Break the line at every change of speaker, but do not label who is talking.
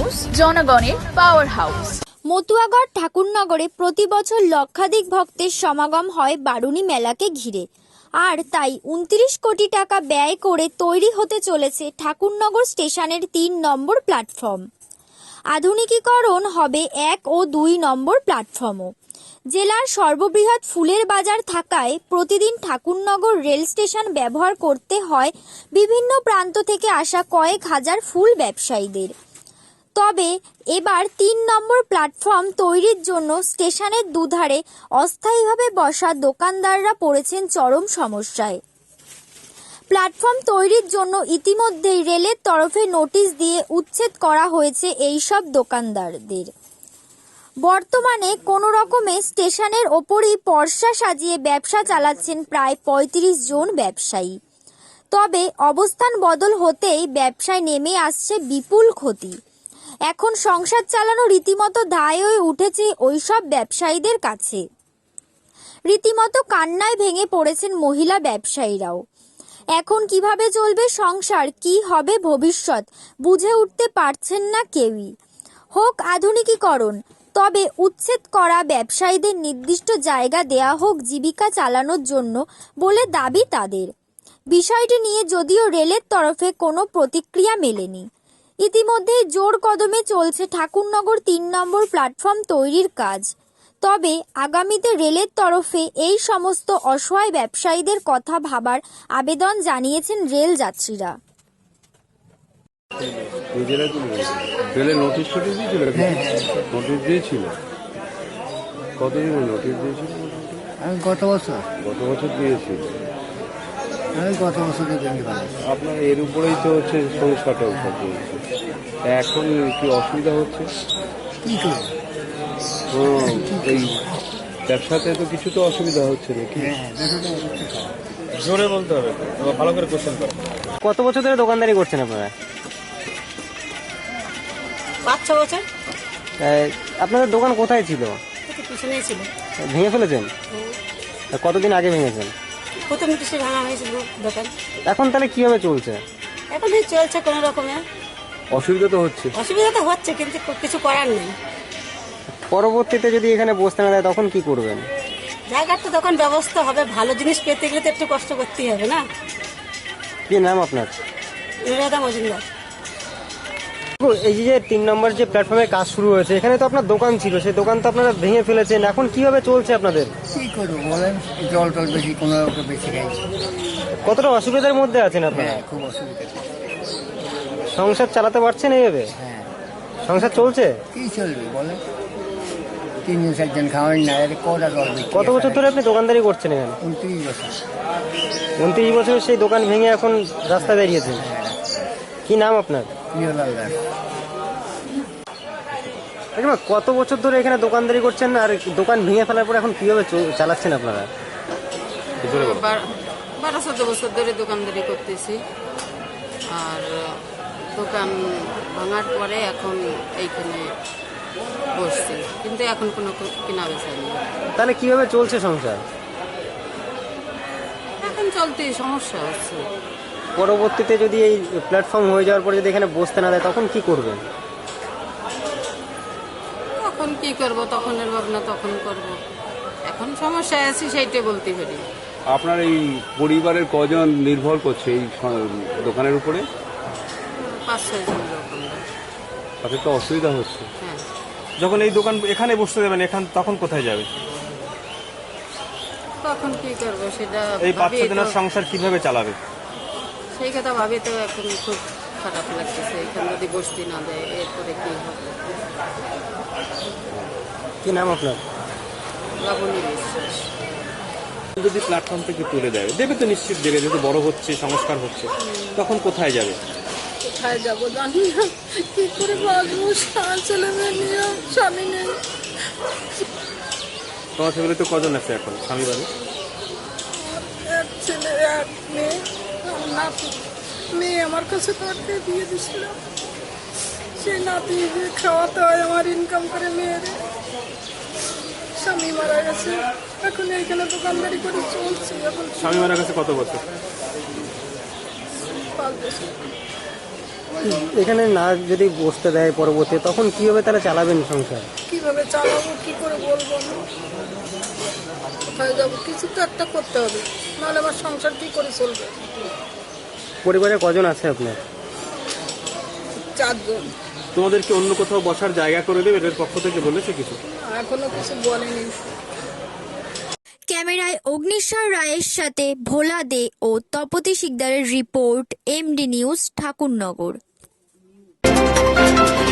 News, জনগণের power house.
মতুয়াগড় ঠাকুরনগরে প্রতি বছর লক্ষাধিক ভক্তের সমাগম হয় বারুণী মেলাকে ঘিরে। আর তাই 29 কোটি টাকা ব্যয় করে তৈরি হতে চলেছে ঠাকুরনগর স্টেশনের 3 নম্বর প্ল্যাটফর্ম। আধুনিকীকরণ হবে 1 ও 2 নম্বর প্ল্যাটফর্মও। জেলার সর্ববৃহৎ ফুলের বাজার থাকায় প্রতিদিন ঠাকুরনগর রেল স্টেশন ব্যবহার করতে হয় বিভিন্ন প্রান্ত থেকে আসা কয়েক হাজার ফুল ব্যবসায়ীদের। তবে এবার 3 নম্বর প্ল্যাটফর্ম তৈরির জন্য স্টেশনের দুধারে অস্থায়ীভাবে বসা দোকানদাররা পড়েছেন চরম সমস্যায়। প্ল্যাটফর্ম তৈরির জন্য ইতিমধ্যেই রেলের তরফে নোটিশ দিয়ে উচ্ছেদ করা হয়েছে এই সব দোকানদারদের। বর্তমানে কোনো রকমে স্টেশনের ওপরই পর্সা সাজিয়ে ব্যবসা চালাচ্ছেন প্রায় 35 জন ব্যবসায়ী। তবে অবস্থান বদল হতেই ব্যবসায় নেমে আসছে বিপুল ক্ষতি। এখন সংসার চালানো রীতিমতো দায় হয়ে উঠেছে ওইসব ব্যবসায়ীদের কাছে। রীতিমতো কান্নায় ভেঙে পড়েছেন মহিলা ব্যবসায়ীরাও। এখন কিভাবে চলবে সংসার, কি হবে ভবিষ্যৎ, বুঝে উঠতে পারছেন না কেউই। হোক আধুনিকীকরণ, তবে উচ্ছেদ করা ব্যবসায়ীদের নির্দিষ্ট জায়গা দেয়া হোক জীবিকা চালানোর জন্য বলে দাবি তাদের। বিষয়টি নিয়ে যদিও রেলের তরফে কোনো প্রতিক্রিয়া মেলেনি। ইতিমধ্যেই জোর কদমে চলছে ঠাকুরনগর 3 নম্বর প্ল্যাটফর্ম তৈরির কাজ। তবে আগামীতে রেলের তরফে এই সমস্ত অসহায় ব্যবসায়ীদের কথা ভাবার আবেদন জানিয়েছেন রেল যাত্রীরা।
রেলের নোটিশ দিয়েছিল, নোটিশ দিয়েছিল, কতদিন নোটিশ দিয়েছিল?
আমি গত বছর
দিয়েছিল।
গত বছর
আপনার এর উপরেই তো হচ্ছে সংস্কারটা চলছে। এখন কি অসুবিধা হচ্ছে? এই ব্যবসাতে তো কিছু তো অসুবিধা হচ্ছে নাকি?
জোরে বলতে হবে, ভালো করে কোশ্চেন করো।
কত বছর ধরে দোকানদারি করছেন আপনারা?
5-6 বছর।
আপনাদের দোকান কোথায় ছিল?
পিছনেই ছিল।
ভেঙে ফেলেছেন? কতদিন আগে ভেঙেছেন?
প্রথম কিছু ভাঙা হয়েছিল দোকান।
এখন তাহলে কিভাবে চলছে?
এখন চলছে কোনো রকমে।
অসুবিধা তো হচ্ছে।
অসুবিধা তো হচ্ছে, কিন্তু কিছু করার নেই।
পরবর্তীতে যদি এখানে বসতে না দেয় তখন কি করবেন?
জায়গার তো দোকান ব্যবস্থা হবে, ভালো জিনিস পেতে গেলে তো একটু কষ্ট করতেই হবে না।
কি নাম আপনার?
নুরুলতা মজুমদার।
এই যে 3 নম্বর যে প্ল্যাটফর্মে কাজ শুরু হয়েছে, এখানে তো আপনার দোকান ছিল, সেই দোকান তো আপনারা ভেঙে ফেলেছেন। এখন কিভাবে চলছে আপনাদের?
কি করবো বলেন, জল টল বেশি, কোনো বেশি খাইছি।
কতটা অসুবিধার মধ্যে আছেন আপনারা?
খুব অসুবিধা।
সংসার চালাতে পারছেন এইভাবে?
হ্যাঁ।
সংসার চলছে?
কি চলবে বলেন, 3-4 খাওয়াই না, কটা জল।
কত বছর ধরে আপনি দোকানদারি করছেন এখানে?
29 বছর।
29 বছরের সেই দোকান ভেঙে এখন রাস্তা বেরিয়েছেন। কি নাম আপনার?
প্রিয়লাল দাস।
কত বছর ধরে এখানে দোকানদারি করছেন, আর দোকান ভেঙে ফেলার পর এখন কিভাবে চালাচ্ছেন আপনারা?
12-14 বছর ধরে দোকানদারি করতেছি। আর দোকান ভাঙার পরে এখন এইখানে বসছি, কিন্তু এখন কোনো কেনা বেচা নেই।
তাহলে কিভাবে চলছে সংসার?
এখন চলতে সমস্যা হচ্ছে।
পরবর্তীতে যদি এই প্ল্যাটফর্ম হয়ে যাওয়ার পরে যদি এখানে বসতে না দেয় তখন কি করবেন?
তখন কি করব, তখনের ভাবনা তখন করব। এখন সমস্যায় আছি, সেইটাই বলতে পারি।
আপনার এই পরিবারের কজন নির্ভর করছে এই দোকানের উপরে?
5-6 জন দোকানদার।
তাদের তো অসুবিধা হচ্ছে।
হ্যাঁ।
যখন এই দোকান এখানে বসতে যাবেন, তখন কোথায় যাবে?
তখন কি করব সেটা
এই
ভাবি
5-6 জনের
তো-
সংসার কিভাবে চালাবে?
সেই কথা ভাবি তো এখন খুব খারাপ লাগতেছে। এখানে যদি বসতে না দেয় এরপরে কি হবে।
কি নাম আপনার?
লাবণী বিশ্বাস।
যদি প্ল্যাটফর্ম থেকে তুলে দেবে তো নিশ্চিত দেবে, যেহেতু বড় হচ্ছে, সংস্কার হচ্ছে, তখন কোথায় যাবে?
কোথায় যাবো জানি না, কি করে বাঁচবো। ছেলে মেয়ে নিয়ে, স্বামী নেই।
তোমার ফ্যামিলিতে কজন আছে এখন স্বামী বাড়ি?
এক ছেলে, এক মেয়ে। আমার নাতি, মেয়ে আমার কাছে কাটতে দিয়ে দিছিল। সেই নাতি খাওয়াতে হয় আমার, ইনকাম করে মেয়ের। স্বামী মারা গেছে, এখন এইখানে দোকানদারি করে চলছে। এখন
স্বামী মারা গেছে কত বছর?
5 বছর।
এখানে না যদি বসতে দেয় পরবর্তী, তখন কিভাবে তাহলে চালাবেন সংসার?
কিভাবে চালাবো কি করে বলবো না, কোথায় যাবো, কিছু তো একটা করতে হবে, নাহলে আমার সংসার কি করে চলবে।
পরিবারে কজন আছে আপনার?
4 জন।
তোমাদেরকে অন্য কোথাও বসার জায়গা করে দেবে এর পক্ষ থেকে বলেছে কিছু?
এখনো কিছু বলেনি।
ক্যামেরায় অগ্নিশ্বর রায়ের সাথে ভোলা দে ও তপতি শিকদারের রিপোর্ট, এমডি নিউজ, ঠাকুরনগর।